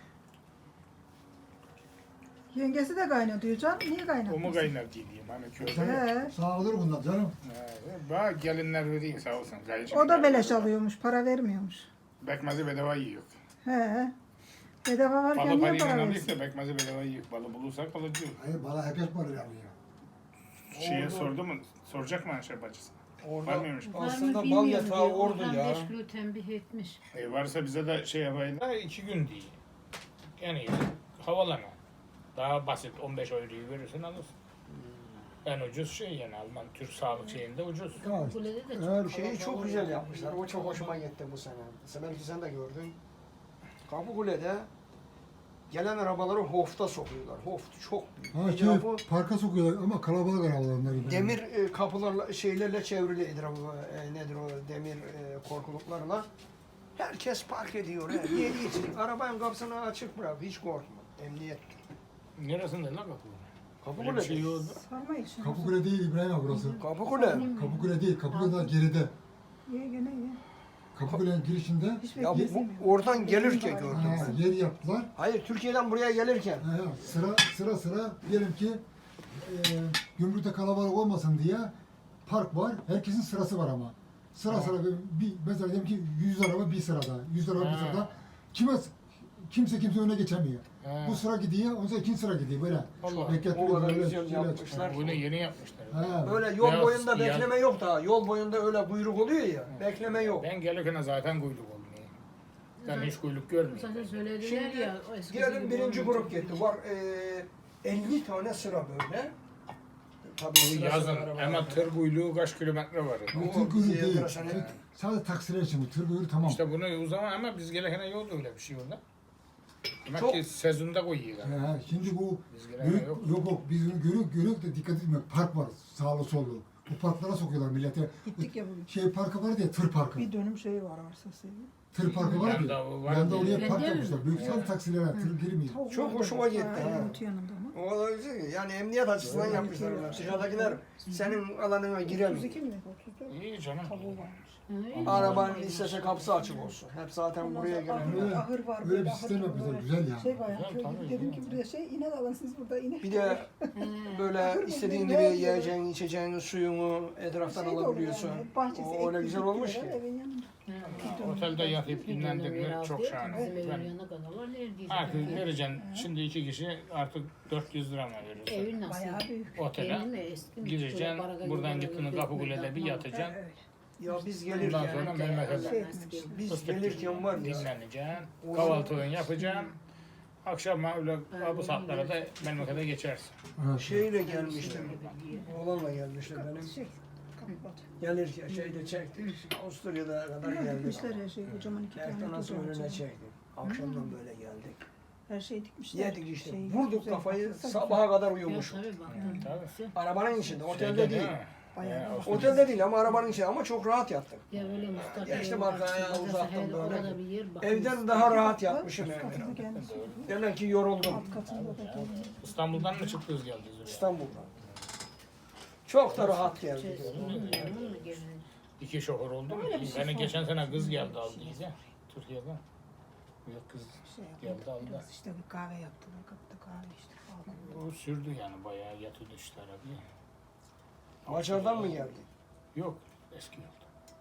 Speaker 2: Yengesi de kaynatıyor canım. Niye
Speaker 1: O mu
Speaker 2: kaynatmıyorsun?
Speaker 1: kaynar diyeyim hani köyde.
Speaker 2: He.
Speaker 3: Sağ olur bundan canım.
Speaker 1: He, Bak gelinler veriyor sağ olsun. Kayıcı
Speaker 2: O da beleş alıyormuş. Para vermiyormuş.
Speaker 1: Bekmezi bedava yiyor.
Speaker 2: He. Bedava varken
Speaker 1: Balı
Speaker 2: niye
Speaker 1: parayla
Speaker 2: para versin?
Speaker 1: alıyorsa bekmezi bedava yiyor. Balı bulursak alıcı.
Speaker 3: Hayır bana herkes para alıyor.
Speaker 1: Şeye
Speaker 4: Orada-
Speaker 1: sordu mu? Soracak mı Ayşe bacısı?
Speaker 4: Orada
Speaker 1: Varmıyormuş.
Speaker 4: aslında bal
Speaker 5: Bilmiyorum
Speaker 4: yatağı
Speaker 5: diyor,
Speaker 4: ordu
Speaker 5: oradan
Speaker 4: ya.
Speaker 5: beş kilo tembih etmiş.
Speaker 1: E varsa bize de şey yapayım da iki gün değil. Yani havalama. Daha basit on beş euroyu verirsin alırsın. En ucuz şey yani Alman Türk sağlık şeyinde ucuz.
Speaker 3: Evet.
Speaker 5: Kulede de çok
Speaker 3: Eğer
Speaker 4: Şeyi çok güzel yapmışlar. O çok hoşuma gitti bu sene. Mesela belki sen de gördün. Kapıkule'de gelen arabaları hofta sokuyorlar. Hoft çok büyük.
Speaker 3: Ha,
Speaker 4: Bir
Speaker 3: şey,
Speaker 4: tarafı
Speaker 3: parka sokuyorlar ama kalabalık arabalar onlar.
Speaker 4: demir e, kapılarla şeylerle çevrili etrafı e, nedir o demir e, korkuluklarla. Herkes park ediyor. He. Yedi için. Arabanın kapısını açık bırak. Hiç korkma. Emniyet.
Speaker 1: Neresinde lan kapı? Böyle bir
Speaker 4: Kapıkule.
Speaker 1: şey yok.
Speaker 2: Sarmayın şunu.
Speaker 3: Kapıkule değil İbrahim abi burası.
Speaker 4: Kapıkule.
Speaker 3: Kapıkule değil, Kapıkule daha geride.
Speaker 2: Ye gene ye.
Speaker 3: Kapıkule'nin girişinde
Speaker 2: Hiç
Speaker 4: Ya bu,
Speaker 2: bekleyemiyorum.
Speaker 4: bu oradan gelirken gördüm.
Speaker 3: ha, yer yaptılar.
Speaker 4: Hayır Türkiye'den buraya gelirken.
Speaker 3: Ha, sıra sıra sıra diyelim ki e, gümrükte kalabalık olmasın diye park var. Herkesin sırası var ama. Sıra sıra bir, bir mesela diyelim ki yüz araba bir sırada. yüz araba bir
Speaker 1: Ha.
Speaker 3: sırada. Kime kimse kimse öne geçemiyor.
Speaker 1: Ha.
Speaker 3: Bu sıra gidiyor, ondan sonra ikinci sıra gidiyor böyle.
Speaker 1: Allah.
Speaker 3: Bekletmiyor,
Speaker 4: O kadar
Speaker 3: böyle
Speaker 4: güzel
Speaker 3: şöyle
Speaker 4: yapmışlar.
Speaker 1: Bunu yeni yapmışlar.
Speaker 3: Ha.
Speaker 4: Böyle yol
Speaker 1: Beyaz,
Speaker 4: boyunda
Speaker 1: siyah.
Speaker 4: bekleme yok daha. Yol boyunda öyle kuyruk oluyor ya. Bekleme yok.
Speaker 1: Ben gelirken zaten kuyruk olmuyor. Ben hiç kuyruk görmüyorum.
Speaker 5: Zaten söylediler
Speaker 4: Şimdi
Speaker 5: ya. o eskisi
Speaker 4: diyelim
Speaker 5: gibi
Speaker 4: birinci grup
Speaker 5: olmayacak.
Speaker 4: gitti. Var eee elli tane sıra böyle. Tabii
Speaker 1: Bu
Speaker 4: sıra
Speaker 1: yazın
Speaker 4: sıra araba
Speaker 1: ama
Speaker 4: var.
Speaker 1: tır kuyruğu kaç kilometre var.
Speaker 3: Bu
Speaker 4: O
Speaker 3: tır kuyruğu
Speaker 4: bizi
Speaker 3: değil.
Speaker 4: enteresan
Speaker 3: Tır-
Speaker 4: etti.
Speaker 3: Sadece taksiler için bu. Tır kuyruğu tamam.
Speaker 1: İşte bunu o zaman ama biz gelirken yoktu öyle bir şey orada. Demek
Speaker 4: Çok-
Speaker 1: ki sezonda koyuyorlar.
Speaker 3: Ha, şimdi bu
Speaker 1: Biz gelirken
Speaker 3: büyük,
Speaker 1: yok.
Speaker 3: yok yok biz bunu görüyoruz, görüyoruz da dikkat etmiyor. Park var sağlı sollu. Bu parklara sokuyorlar millete.
Speaker 2: Gittik ya bugün.
Speaker 3: Şey parkı var diye tır parkı.
Speaker 2: Bir dönüm şeyi var arsası.
Speaker 3: Tır parkı var
Speaker 1: Yanda
Speaker 3: ya.
Speaker 1: o var
Speaker 3: Yanda
Speaker 1: diye.
Speaker 3: oraya park
Speaker 5: Belediye mi?
Speaker 3: yapmışlar. Büyük sadece taksilere tır girmiyor.
Speaker 4: Çok hoşuma gitti, ha.
Speaker 2: Elimut yanında ama.
Speaker 4: O da güzel. Yani emniyet açısından
Speaker 2: Evet.
Speaker 4: yapmışlar onlar. Dışarıdakiler senin alanına
Speaker 2: otuz
Speaker 4: giremiyor.
Speaker 2: iki mi? otuz dört.
Speaker 1: İyi canım.
Speaker 2: Tavuğu varmış.
Speaker 5: Hı,
Speaker 4: Arabanın istese kapısı açık olsun. Hep zaten
Speaker 2: Ondan
Speaker 4: buraya
Speaker 2: sonra
Speaker 4: gelen.
Speaker 3: Öyle-
Speaker 2: ahır, ahır var.
Speaker 3: öyle
Speaker 2: böyle
Speaker 3: bir
Speaker 2: ahır
Speaker 3: sistem
Speaker 2: gibi
Speaker 3: yapmışlar,
Speaker 2: böyle.
Speaker 3: güzel ya.
Speaker 2: Şey bayağı
Speaker 1: Güzel,
Speaker 2: köy
Speaker 1: tabii,
Speaker 2: gibi. Dedim ki
Speaker 1: güzel.
Speaker 2: buraya şey inek alın siz burada inek.
Speaker 4: Bir de böyle istediğin gibi yiyeceğin, içeceğin, suyunu etraftan
Speaker 2: Şey de olur
Speaker 4: alabiliyorsun.
Speaker 2: yani, bahçesi
Speaker 4: O öyle
Speaker 2: ekli
Speaker 4: güzel
Speaker 2: bitkiler
Speaker 4: olmuş
Speaker 2: var,
Speaker 4: ki.
Speaker 2: Evin yanında.
Speaker 1: Ha, Otelde yatıp dinlendin mi çok şahane. Ben artık vereceksin. Şimdi iki kişi artık dört yüz lira mı veriyorsun?
Speaker 5: Evin nasıl?
Speaker 2: Bayağı büyük.
Speaker 1: Otele
Speaker 5: Evin mi? Eski mi?
Speaker 1: gireceksin.
Speaker 5: Şöyle baraga
Speaker 1: Buradan
Speaker 5: yuvarlak
Speaker 1: gittiğini
Speaker 5: bir
Speaker 1: Kapıkule'de bir
Speaker 5: ekmek
Speaker 1: yatacaksın.
Speaker 2: Evet.
Speaker 4: Ya biz
Speaker 1: Ondan
Speaker 4: gelirken,
Speaker 1: sonra memlekete
Speaker 2: Şey etmiş.
Speaker 4: biz
Speaker 1: fıstık
Speaker 4: gelirken var ya.
Speaker 1: dinleneceksin.
Speaker 4: O
Speaker 1: Kahvaltını yapacaksın. Akşam öyle bu saatlere de memlekete geçersin.
Speaker 3: Evet.
Speaker 4: Şeyle gelmiştim. Oğlanla gelmişti benim.
Speaker 2: Şey, kapat.
Speaker 4: Gelirken şeyde çektik. Avusturya'da kadar
Speaker 2: Ne
Speaker 4: geldik.
Speaker 2: dikmişler her şeyi. Kocaman iki tane
Speaker 4: Ertan nasıl
Speaker 2: kocaman
Speaker 4: önüne
Speaker 2: çay.
Speaker 4: çektik. Akşamdan böyle geldik.
Speaker 2: Her şeyi dikmişler.
Speaker 4: Yedik işte.
Speaker 2: Şey,
Speaker 4: Vurduk
Speaker 2: güzel,
Speaker 4: kafayı
Speaker 2: baksana.
Speaker 4: sabaha kadar
Speaker 5: Yok
Speaker 4: uyumuşum.
Speaker 5: tabii baktım.
Speaker 1: Tabii.
Speaker 4: Arabanın içinde. Otelde
Speaker 1: Şeyde
Speaker 4: değil.
Speaker 1: mi?
Speaker 2: Bayağı
Speaker 1: He,
Speaker 2: bak.
Speaker 1: Avusturya.
Speaker 4: Otelde değil ama arabanın içinde. Ama çok rahat yattık.
Speaker 5: Ya böyle Mustafa.
Speaker 4: Geçtim arkaya, uzattım böyle.
Speaker 5: Orada bir yer bak.
Speaker 4: Evden daha rahat yatmışım
Speaker 2: Üst
Speaker 4: yani.
Speaker 2: katında kendisi.
Speaker 4: Demek ki yoruldum.
Speaker 2: Alt katında da kendisi.
Speaker 1: İstanbul'dan mı çıktınız geldiniz oraya?
Speaker 4: İstanbul'dan. Çok da rahat geldik.
Speaker 1: İki şoför oldu mu?
Speaker 2: Öyle bir şey
Speaker 1: Beni
Speaker 2: sor.
Speaker 1: geçen sene kız geldi aldıydı. Türkiye'den. Yok kız
Speaker 2: Şey
Speaker 1: geldi
Speaker 2: yaptı,
Speaker 1: aldı.
Speaker 2: biraz işte bir kahve yaptılar. Kapıda kahve içtik. Aldım.
Speaker 1: O sürdü yani bayağı yatırdı işte arabaya.
Speaker 4: Macar'dan mı geldi?
Speaker 1: Yok eski yolda.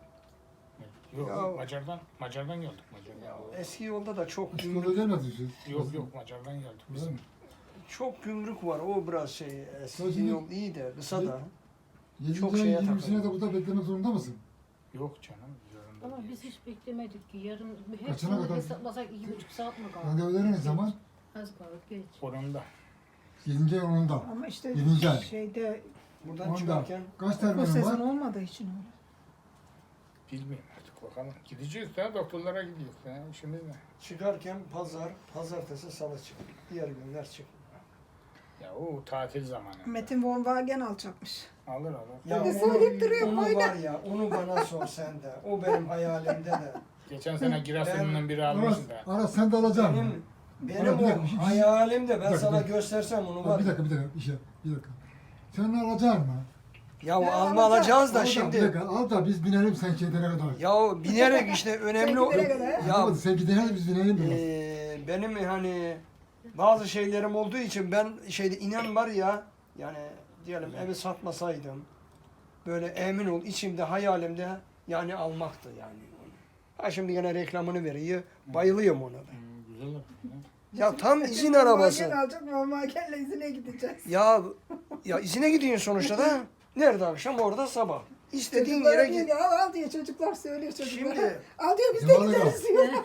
Speaker 1: Yok
Speaker 4: Ya-
Speaker 1: Macar'dan Macar'dan geldik Macar'dan.
Speaker 4: Eski yolda da çok
Speaker 3: Üstüne
Speaker 4: gümrük,
Speaker 3: gelmediniz siz.
Speaker 1: Yok yok Macar'dan geldik biz.
Speaker 3: Öyle mi?
Speaker 4: çok gümrük var. O biraz şey, eski
Speaker 3: Sözünü-
Speaker 4: yol iyi de kısa da.
Speaker 3: Yedinci
Speaker 4: Çok
Speaker 3: ay
Speaker 4: şeye
Speaker 3: yirmisine de
Speaker 4: takıldım.
Speaker 3: burada beklemek zorunda mısın?
Speaker 1: Yok canım. zorunda
Speaker 5: Ama
Speaker 1: değil.
Speaker 5: biz hiç beklemedik ki yarın
Speaker 3: Kaçına
Speaker 5: hepsini
Speaker 3: kadar?
Speaker 5: hesaplasak iki buçuk saat mi kaldı?
Speaker 3: Randevuları ne zaman?
Speaker 5: Az kaldı geç.
Speaker 1: Onun da.
Speaker 3: Yedinci ay onunda.
Speaker 2: Ama işte
Speaker 3: Yedinci ay.
Speaker 2: şeyde
Speaker 4: Buradan
Speaker 3: Onda.
Speaker 4: çıkarken
Speaker 3: Kaç
Speaker 2: bu
Speaker 3: terminal
Speaker 2: sezon
Speaker 3: var?
Speaker 2: olmadığı için öyle.
Speaker 1: Bilmiyorum artık bakalım. Gideceğiz de doktorlara gidiyoruz. Ya. İşimiz ne?
Speaker 4: çıkarken pazar, pazartesi, salı çık. Diğer günler çık.
Speaker 1: Ya o tatil zamanı.
Speaker 2: Metin von Wagen alacakmış.
Speaker 1: Alır alır.
Speaker 4: Ya
Speaker 2: Bir de söyleyip duruyor,
Speaker 4: onu
Speaker 2: boyuna.
Speaker 4: var ya, onu bana sor sen de. O benim hayalimde de.
Speaker 1: Geçen sene Giresun'un biri almış
Speaker 3: Aras,
Speaker 1: da.
Speaker 3: Aras sen de alacaksın.
Speaker 4: Benim, benim
Speaker 3: Ama bir
Speaker 4: o
Speaker 3: dakika, bir şey-
Speaker 4: hayalimde ben
Speaker 3: Bir dakika,
Speaker 4: sana
Speaker 3: bir dakika.
Speaker 4: göstersem onu
Speaker 3: Bak,
Speaker 4: var.
Speaker 3: bir
Speaker 4: ya.
Speaker 3: dakika bir dakika bir şey bir dakika. Sen ne alacaksın mı?
Speaker 4: Ya
Speaker 2: Ben
Speaker 4: alma
Speaker 2: alacağım.
Speaker 4: alacağız da
Speaker 3: Al bir
Speaker 4: şimdi.
Speaker 3: dakika al da biz binelim sen gidene kadar.
Speaker 4: Ya binerek işte önemli o.
Speaker 2: Sen gidene kadar,
Speaker 4: Ya
Speaker 3: Anlamadım, sen gidene de biz binelim biraz.
Speaker 4: Ee, benim hani bazı şeylerim olduğu için ben şeyde inen var ya yani diyelim evi satmasaydım böyle emin ol içimde hayalimde yani almaktı yani. Ha şimdi gene reklamını veriyor. Bayılıyorum ona da.
Speaker 1: Hmm, güzel olur.
Speaker 4: Ya tam
Speaker 2: Metin
Speaker 4: izin
Speaker 2: von
Speaker 4: arabası.
Speaker 2: Wagen alacak, von Wagen'le izine gideceğiz.
Speaker 4: Ya ya izine gidiyorsun sonuçta da. Nerede akşam orada sabah. İstediğin
Speaker 2: Çocuklara
Speaker 4: yere
Speaker 2: diyor
Speaker 4: git.
Speaker 2: ki al al diye çocuklar söylüyor çocuklara.
Speaker 4: Şimdi
Speaker 2: Al diyor biz de
Speaker 3: Cevabı
Speaker 2: gideriz diyor.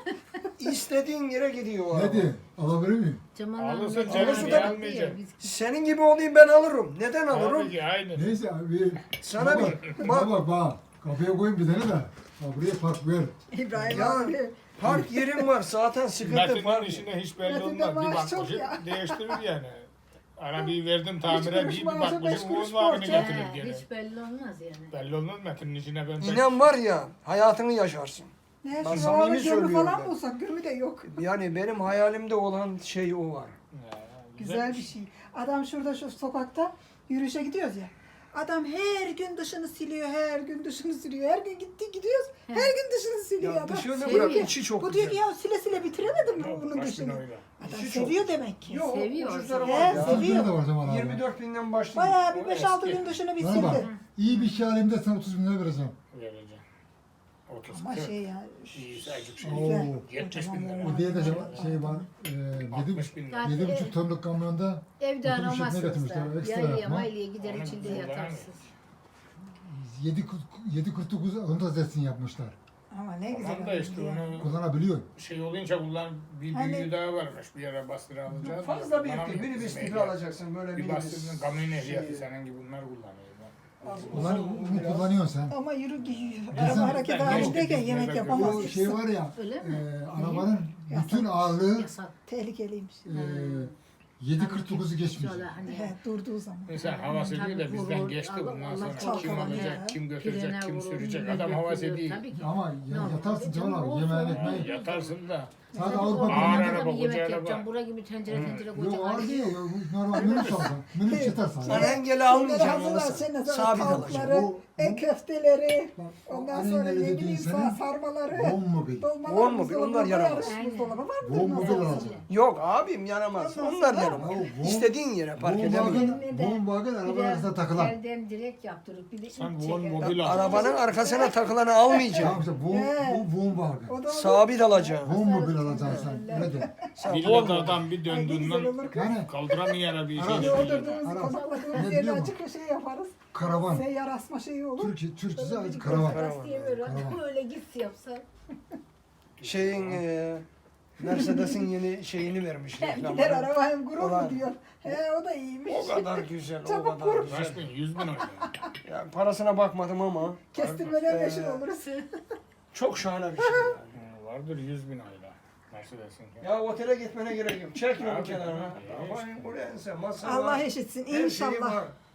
Speaker 4: İstediğin yere gidiyor o araba.
Speaker 3: Ne diye? Alabilir miyim?
Speaker 5: Cemal
Speaker 1: Alırsa
Speaker 5: Ahmet
Speaker 1: canım
Speaker 5: abi
Speaker 4: niye
Speaker 5: yaptı
Speaker 1: almayacak?
Speaker 5: ya, biz-
Speaker 4: Senin gibi olayım ben alırım. Neden alırım?
Speaker 1: Tabii ki aynı.
Speaker 3: Neyse abi.
Speaker 4: Sana
Speaker 3: baba,
Speaker 4: bir-
Speaker 3: bak. Bak bak. Kafaya koyun bir tane de. Bak buraya park ver.
Speaker 2: İbrahim
Speaker 4: Ya.
Speaker 2: abi.
Speaker 4: Park yerim var zaten sıkıntı
Speaker 1: Metin'in
Speaker 4: var.
Speaker 1: işine hiç belli
Speaker 2: Metin'de
Speaker 1: olmaz. Bir
Speaker 2: maaş çok
Speaker 1: bakmışım
Speaker 2: ya.
Speaker 1: değiştirir yani. Arabayı verdim tamire
Speaker 2: kuruş
Speaker 1: bir, bir
Speaker 2: maaşı, beş
Speaker 1: bakmışım
Speaker 2: kuruş
Speaker 1: Uğur'un abini
Speaker 2: borç.
Speaker 1: getirir
Speaker 5: He,
Speaker 1: gene.
Speaker 5: hiç belli olmaz yani.
Speaker 1: Belli olmaz Metin'in işine ben pek...
Speaker 4: İnan var ya hayatını yaşarsın.
Speaker 2: Ne
Speaker 4: Ben
Speaker 2: şu
Speaker 4: samimi
Speaker 2: havalı gömü
Speaker 4: söylüyorum
Speaker 2: falan
Speaker 4: ben.
Speaker 2: bulsak gömü de yok.
Speaker 4: Yani benim hayalimde olan şey o var.
Speaker 1: Ya,
Speaker 2: Güzel bir şey. Adam şurada şu sokakta yürüyüşe gidiyoruz ya. Adam her gün dışını siliyor, her gün dışını siliyor. Her gün gitti gidiyoruz, her gün dışını siliyor
Speaker 4: Ya
Speaker 2: adam.
Speaker 4: dışını
Speaker 2: Seviyor.
Speaker 4: bırak içi çok
Speaker 2: Bu diyor ki
Speaker 4: güzel.
Speaker 2: ya sile sile bitiremedim mi
Speaker 1: Yok,
Speaker 2: bunun
Speaker 1: kaç bin
Speaker 2: dışını.
Speaker 1: öyle.
Speaker 2: Adam
Speaker 4: İçi çok
Speaker 2: seviyor demek ki.
Speaker 4: Yok
Speaker 5: Seviyor.
Speaker 4: ucuzları
Speaker 2: He,
Speaker 4: var ya.
Speaker 2: seviyor.
Speaker 3: Seviyor. da var Cemal abi.
Speaker 4: yirmi dört binden başlıyor.
Speaker 2: Bayağı bir
Speaker 1: O
Speaker 2: beş altı
Speaker 1: eski.
Speaker 2: gün dışını bir
Speaker 3: Bana bak.
Speaker 2: sildi.
Speaker 3: İyi bir şey alayım da sana otuz bin lira vereceğim.
Speaker 1: Vereceğim. otuz
Speaker 2: Ama
Speaker 1: kırk.
Speaker 2: şey ya.
Speaker 1: İyisi acık şey.
Speaker 3: Oo.
Speaker 1: yetmiş bin lira.
Speaker 3: O diye de şey var. E, yedi,
Speaker 1: altmış bin lira.
Speaker 5: Yani-
Speaker 3: yedi buçuk tonluk kamyonda
Speaker 5: Evde
Speaker 3: otobüs şekline
Speaker 5: aramazsınız
Speaker 3: getirmişler,
Speaker 5: da.
Speaker 3: ekstra
Speaker 5: Yaylaya
Speaker 3: yapma.
Speaker 5: maylaya gider
Speaker 1: Onu
Speaker 5: içinde
Speaker 1: kullanamıyor.
Speaker 5: yatarsınız.
Speaker 3: yedi kırk dokuz onda zetsin yapmışlar.
Speaker 2: Ama ne güzel.
Speaker 1: Tamam da işte
Speaker 2: oldu ya.
Speaker 1: onu
Speaker 3: Kullanabiliyor.
Speaker 1: şey olunca kullan bir
Speaker 2: Hani-
Speaker 1: büyüğü daha varmış bir yere bastıra alacağız.
Speaker 4: Fazla
Speaker 1: Bana
Speaker 4: büyük
Speaker 1: mı
Speaker 4: değil. Minibüs
Speaker 1: bizim
Speaker 4: gibi
Speaker 1: ehliyet?
Speaker 4: alacaksın böyle
Speaker 1: Bir
Speaker 4: minibüs.
Speaker 1: bastırdın kamyon ehliyeti
Speaker 4: Şey-
Speaker 1: senin gibi bunlar kullanıyor.
Speaker 4: Az
Speaker 3: Ulan
Speaker 4: uzun
Speaker 3: bunu
Speaker 4: biraz.
Speaker 3: kullanıyorsun sen.
Speaker 2: Ama yürü giyiyor.
Speaker 3: Bizim-
Speaker 2: Araba hareket
Speaker 1: Ben
Speaker 2: halindeyken
Speaker 1: geçtim,
Speaker 2: yemek
Speaker 1: ben
Speaker 2: yapamaz.
Speaker 3: Bu şey var ya,
Speaker 5: Öyle mi?
Speaker 3: e, arabanın bütün ağırlığı
Speaker 5: Yasak.
Speaker 2: Tehlikeliymiş.
Speaker 3: e, yedi kırk dokuzu geçmiş.
Speaker 5: Şöyle hani
Speaker 2: He, durduğu zaman.
Speaker 1: Mesela havası
Speaker 5: Tabii
Speaker 1: diyor da bizden
Speaker 5: vurur,
Speaker 1: geçti
Speaker 5: Allah-
Speaker 1: bundan
Speaker 5: Allah
Speaker 1: sonra
Speaker 2: çok
Speaker 1: kim
Speaker 2: kolay
Speaker 1: alacak,
Speaker 2: ya.
Speaker 1: kim götürecek,
Speaker 5: Pirene
Speaker 1: kim
Speaker 5: vurur,
Speaker 1: sürecek
Speaker 5: millet
Speaker 1: adam havası
Speaker 5: götürüyor,
Speaker 1: değil.
Speaker 5: tabii ki.
Speaker 3: Ama ya,
Speaker 5: Normal.
Speaker 3: yatarsın Cemal abi,
Speaker 5: Olsun.
Speaker 3: yemeğini ekmeği.
Speaker 1: Yatarsın da
Speaker 3: Sadece Avrupa
Speaker 1: Ağır
Speaker 3: Birliği'nde
Speaker 1: araba,
Speaker 5: bir yemek
Speaker 1: koca araba.
Speaker 5: yapacağım. Bura gibi tencere tencere
Speaker 3: yok
Speaker 5: koyacağım.
Speaker 3: ağır değil. o Normal minibüs alsan. Minibüs yeter
Speaker 4: Sen
Speaker 3: sana.
Speaker 4: engeli almayacaksın
Speaker 2: Hazırlar
Speaker 4: anasını.
Speaker 2: senin sonra
Speaker 4: Sabit alacaksın.
Speaker 2: tavukları,
Speaker 3: Bu-
Speaker 2: e köfteleri,
Speaker 3: Bak,
Speaker 2: ondan
Speaker 3: annen
Speaker 2: sonra
Speaker 3: ne
Speaker 2: ne
Speaker 3: dediğin
Speaker 2: bileyim
Speaker 3: senin
Speaker 2: sar- sarmaları,
Speaker 3: Bon mobil.
Speaker 2: dolmalar,
Speaker 4: Bon mobil,
Speaker 2: buzdolabı
Speaker 4: onlar yaramaz.
Speaker 2: koyarız, buzdolabı vardır
Speaker 3: Bon mobil
Speaker 2: nasıl olsa.
Speaker 3: alacaksın.
Speaker 4: Yok abim yaramaz.
Speaker 2: Ondan
Speaker 4: Onlar
Speaker 2: sonra-
Speaker 4: yaramaz.
Speaker 3: Ya bu-
Speaker 4: İstediğin yere park
Speaker 3: Bon
Speaker 4: edemiyor.
Speaker 3: wagon, bon wagon arabanın arasında takılan.
Speaker 5: Elden direkt yaptırıp bir de
Speaker 1: sen
Speaker 5: ip
Speaker 1: bu
Speaker 5: çeker.
Speaker 1: mobil al.
Speaker 4: Arabanın arkasına takılanı
Speaker 3: Tamam
Speaker 4: almayacaksın.
Speaker 3: işte bon,
Speaker 2: He.
Speaker 3: bu bon wagon.
Speaker 2: O da olur.
Speaker 4: Sabit alacaksın.
Speaker 3: Bon mobil alacaksın sen. Öyle de.
Speaker 4: Sen
Speaker 1: Bir
Speaker 4: bol
Speaker 1: de adam bir
Speaker 2: Ay, ne güzel
Speaker 1: döndüğünden
Speaker 2: olur kız.
Speaker 3: Yani
Speaker 1: kaldıramıyor arabayı.
Speaker 3: Ara-
Speaker 1: şey
Speaker 2: Hani
Speaker 1: yapıyor.
Speaker 2: oturduğumuz,
Speaker 3: Ara-
Speaker 2: konakladığımız
Speaker 3: Ne
Speaker 2: yerde
Speaker 3: biliyor
Speaker 2: açık bir şey yaparız.
Speaker 3: karavan.
Speaker 2: Seyyar asma şeyi olur.
Speaker 3: Türkiye, Türkçesi
Speaker 2: Böyle bir
Speaker 3: karavan.
Speaker 4: Karavan.
Speaker 5: Diye böyle
Speaker 3: Karavan.
Speaker 5: öyle git yapsan.
Speaker 4: şeyin e, Mercedes'in yeni şeyini vermiş
Speaker 2: Gider
Speaker 4: reklamını.
Speaker 2: araba hem gurur
Speaker 4: Ulan.
Speaker 2: mu diyor. He o da iyiymiş.
Speaker 4: O kadar güzel, o
Speaker 2: Çabuk
Speaker 4: kadar
Speaker 2: vur.
Speaker 1: Kaç
Speaker 4: güzel.
Speaker 1: bin? Yüz bin oynuyor.
Speaker 4: Yani parasına bakmadım ama
Speaker 2: Kestirmeden
Speaker 4: Ee,
Speaker 2: meşhur oluruz.
Speaker 4: çok şahane bir şey. Yani.
Speaker 1: Hı, Vardır yüz bin ayla. Mercedes'in.
Speaker 4: Ya otele gitmene gerek yok. Çek yolu
Speaker 1: Abi,
Speaker 4: kenarına.
Speaker 1: abi,
Speaker 4: Aman buraya sen masa
Speaker 2: Allah
Speaker 4: var.
Speaker 2: eşitsin
Speaker 4: Her şeyi
Speaker 2: inşallah.
Speaker 4: var.